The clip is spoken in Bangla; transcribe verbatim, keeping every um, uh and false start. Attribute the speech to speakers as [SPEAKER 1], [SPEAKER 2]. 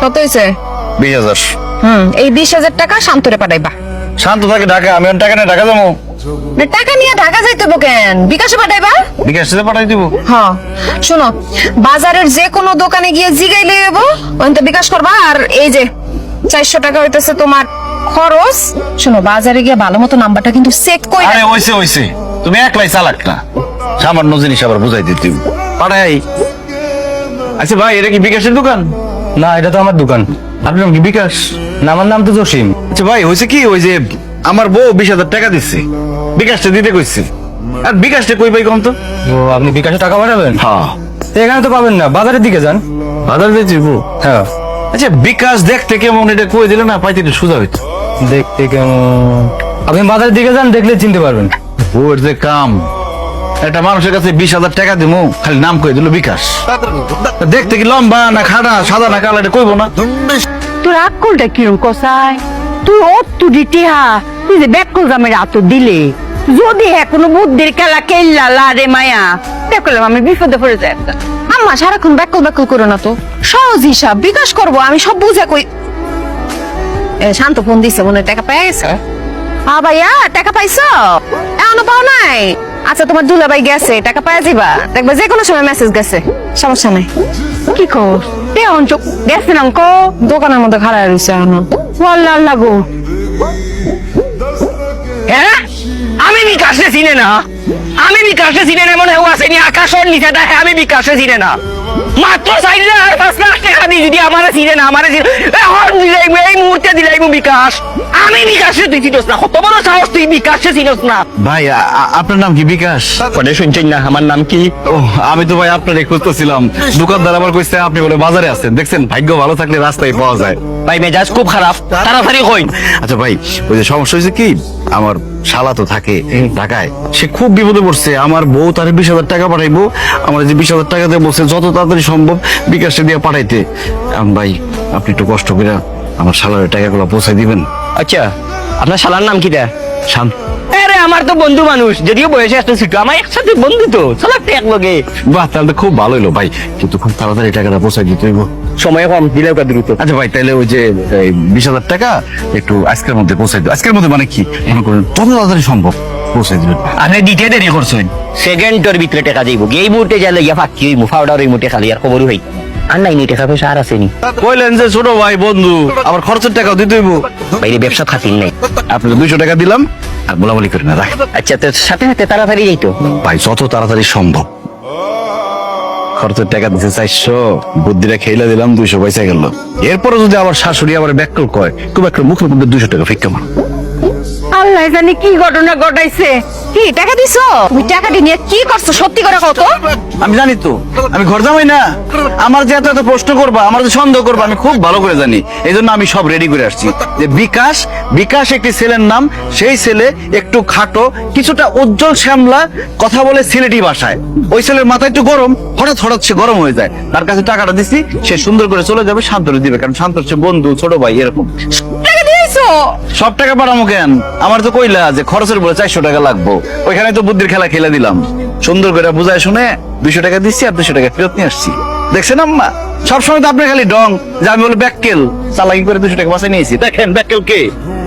[SPEAKER 1] কত হয়েছে?
[SPEAKER 2] বিশ হাজার।
[SPEAKER 1] হুম, এই বিশ হাজার টাকা শান্তরে পাঠাইবা।
[SPEAKER 2] শান্ত থাকে ঢাকা, আমি এখন টাকা নিয়ে ঢাকা যাবো।
[SPEAKER 1] না, টাকা নিয়ে ঢাকা যাইতে হইব কেন? বিকাশে পাঠাইবা।
[SPEAKER 2] বিকাশ থেকে পাঠাই দিব।
[SPEAKER 1] হ্যাঁ, শোনো, বাজারের যে কোনো দোকানে গিয়ে জিগাইলে হইব, ওখান থেকে বিকাশ করবা। আর এই যে চারশো টাকা হইতেছে তোমার খরচ। শোনো, বাজারে গিয়ে ভালো মতো নাম্বারটা কিন্তু চেক করে।
[SPEAKER 2] আরে হইছে হইছে, তুমি একলাই চালাক না, সামান্য জিনিস আবার বুঝাই দিতে পাঠাই। আচ্ছা ভাই, এটা কি বিকাশের দোকান?
[SPEAKER 3] না, এটা তো আমার দোকান।
[SPEAKER 2] আপনার নাম কি বিকাশ?
[SPEAKER 3] না, আমার নাম তো জসিম।
[SPEAKER 2] আচ্ছা ভাই, হয়েছে কি, ওই যে আমার বউ বিশ হাজার টাকা দিচ্ছে, বিকাশটা দিতে কইছে। আর বিকাশটা কই পাই কম তো?
[SPEAKER 3] ও, আপনি বিকাশে টাকা পাঠাবেন?
[SPEAKER 2] হ্যাঁ।
[SPEAKER 3] তো এখানে তো পাবেন না, বাজারের দিকে যান।
[SPEAKER 2] বাজার দিয়েছি বউ।
[SPEAKER 3] হ্যাঁ।
[SPEAKER 2] আচ্ছা, বিকাশ দেখতে কেমন, এটা কই দিলে না পাইতে একটু সোজা হইতো।
[SPEAKER 3] দেখতে কেমন? আপনি বাজারের দিকে যান, দেখলে চিনতে পারবেন।
[SPEAKER 2] বউয়ের যে কাম, একটা মানুষের কাছে বিশ হাজার টাকা দিমু, খালি নাম কই দিল বিকাশ। দেখতে কি লম্বা না খাড়া, সাদা না কালো, এটা কইবো না।
[SPEAKER 4] তোর আক্কলটা কিরম কষায়? তুই অত্তু দিতে হা, তুই যে ব্যাকল জামের আত দিলে, যদি হ্যাঁ কোনো বুদ্ধির খেলা খেললা লা রে মায়া, দেখলাম আমি বিপদে পড়ে যাই।
[SPEAKER 1] আম্মা সারাক্ষণ ব্যাকল ব্যাকল করো না তো, সহজ হিসাব বিকাশ করবো, আমি সব বুঝে কই। এ, শান্ত ফোন দিছে, মনে হয় টাকা পেয়ে গেছে। হ্যাঁ ভাইয়া, টাকা পাইছো? এখনো পাও নাই? আচ্ছা, তোমার দুলাভাই গেছে, টাকা পাওয়া যাবা, দেখবা যে কোনো সময় মেসেজ গেছে, সমস্যা নাই।
[SPEAKER 4] কি কর তে অঞ্চক গেছে না কো
[SPEAKER 1] দোকানের মধ্যে খাড়া রয়েছে এখনো।
[SPEAKER 4] ওয়াল্লাহ লাগো। হ্যাঁ, আমি বিকাশে চিনে না, আমি বিকাশে চিনে না, মনে হয় আসেনি আকাশের নিচে দেখে আমি বিকাশে চিনে না। মাত্র চাইলে আর পাঁচ লাখ টাকা দিই, যদি আমার চিনে না, আমার এখন দিলাই এই মুহূর্তে দিলাই বিকাশ। আমি বিকাশে তুই চিনস না, কত বড় সাহস তুই বিকাশে চিনস না?
[SPEAKER 2] ভাই, আ- আ- আপনার নাম কি বিকাশ?
[SPEAKER 4] কনে শুনছেন না আমার নাম কি?
[SPEAKER 2] ও, আমি তো ভাই আপনারই খুঁজতেছিলাম। দোকানদার আবার কইছে আপনি বলে বাজারে আছেন। দেখছেন, ভাগ্য ভালো থাকলে রাস্তায় পাওয়া যায়।
[SPEAKER 4] ভাই মেজাজ খুব খারাপ, তাড়াতাড়ি কই।
[SPEAKER 2] আচ্ছা ভাই, ওই যে সমস্যা হয়েছে কি, আমার শালা তো থাকে ঢাকায়, সে খুব বিপদে পড়ছে। আমার বউ তার বিশ হাজার টাকা পাঠাইবো, আমার যে বিশ হাজার টাকা দিয়ে বলছে যত তাড়াতাড়ি সম্ভব বিকাশে দিয়ে পাঠাইতে। এখন ভাই, আপনি একটু কষ্ট করে আমার শালার টাকাগুলো পৌঁছাই দিবেন।
[SPEAKER 4] আচ্ছা, আপনার শালার নাম কি দা?
[SPEAKER 2] শান্ত।
[SPEAKER 4] আরে আমার তো বন্ধু মানুষ, যদিও বয়সে একটা ছোট, আমার একসাথে বন্ধু তো, চলো একটা এক লগে।
[SPEAKER 2] বাহ, তাহলে তো খুব ভালো হলো ভাই, কিন্তু খুব তাড়াতাড়ি টাকাটা পৌঁছাই দিতে হইব।
[SPEAKER 4] সময় কম, দিলেও কা দ্রুত।
[SPEAKER 2] আচ্ছা ভাই, তাহলে ওই যে বিশ হাজার টাকা একটু আজকের মধ্যে পৌঁছাই দিও। আজকের মধ্যে মানে কি, মনে করেন যত তাড়াতাড়ি সম্ভব পৌঁছাই দিবেন।
[SPEAKER 4] আপনি দিতে দেরি করছেন, সেকেন্ডের ভিতরে টাকা যাইব। এই মুহূর্তে যাইলে গিয়া ফাঁকি হইব, ফাউডার এই মুহূর্তে খালি আর খবরই হই। আর নাই নি টাকা পয়সা আর আসেনি।
[SPEAKER 2] কইলেন যে ছোট ভাই বন্ধু, আবার খরচের টাকাও দিতে হইব।
[SPEAKER 4] বাইরে ব্যবসা খাতির নাই।
[SPEAKER 2] আপনাকে দুইশো টাকা দিলাম, আর বলাবলি করি না, রাখ।
[SPEAKER 4] আচ্ছা, তো সাথে সাথে তাড়াতাড়ি যাইতো।
[SPEAKER 2] ভাই, যত তাড়াতাড়ি সম্ভব। খরচের টাকা দিতে চারশো, বুদ্ধিটা খেলে দিলাম, দুইশো পয়সা গেল। এরপরে যদি আবার শাশুড়ি আবার ব্যাকল কয়, খুব একটা মুখের মধ্যে দুইশো টাকা ফিক্কা মার।
[SPEAKER 4] আল্লাহ জানি কি ঘটনা ঘটাইছে।
[SPEAKER 1] কি টাকা দিছো? তুমি টাকাটি নিয়ে কি করছো সত্যি করে কত?
[SPEAKER 2] আমি জানি তো, আমি ঘর জামাই না, আমার যে এত এত প্রশ্ন করবা, আমার যে সন্দেহ করবা, আমি খুব ভালো করে জানি। এই জন্য আমি সব রেডি করে আসছি যে বিকাশ, বিকাশ একটি ছেলের নাম। সেই ছেলে একটু খাটো, কিছুটা উজ্জ্বল শ্যামলা, কথা বলে সিলেটি ভাষায়। ওই ছেলের মাথা একটু গরম, হঠাৎ হঠাৎ সে গরম হয়ে যায়। তার কাছে টাকাটা দিছি, সে সুন্দর করে চলে যাবে, শান্তরে দিবে, কারণ শান্ত হচ্ছে বন্ধু, ছোট ভাই, এরকম।
[SPEAKER 1] টাকা দিয়েছো?
[SPEAKER 2] সব টাকা পাঠামো কেন? আমার তো কইলা যে খরচের বলে চারশো টাকা লাগবো, ওইখানে তো বুদ্ধির খেলা খেলে দিলাম। সুন্দর করে বুঝায় শুনে দুইশো টাকা দিচ্ছি, আর দুইশো টাকা ফেরত নিয়ে আসছি। দেখছেন আম্মা, সবসময় তো আপনার খালি ডং যে আমি বলে ব্যাককেল, চালাকি করে দুশো টাকা বাঁচাই নিয়েছি। দেখেন ব্যাককেল কে।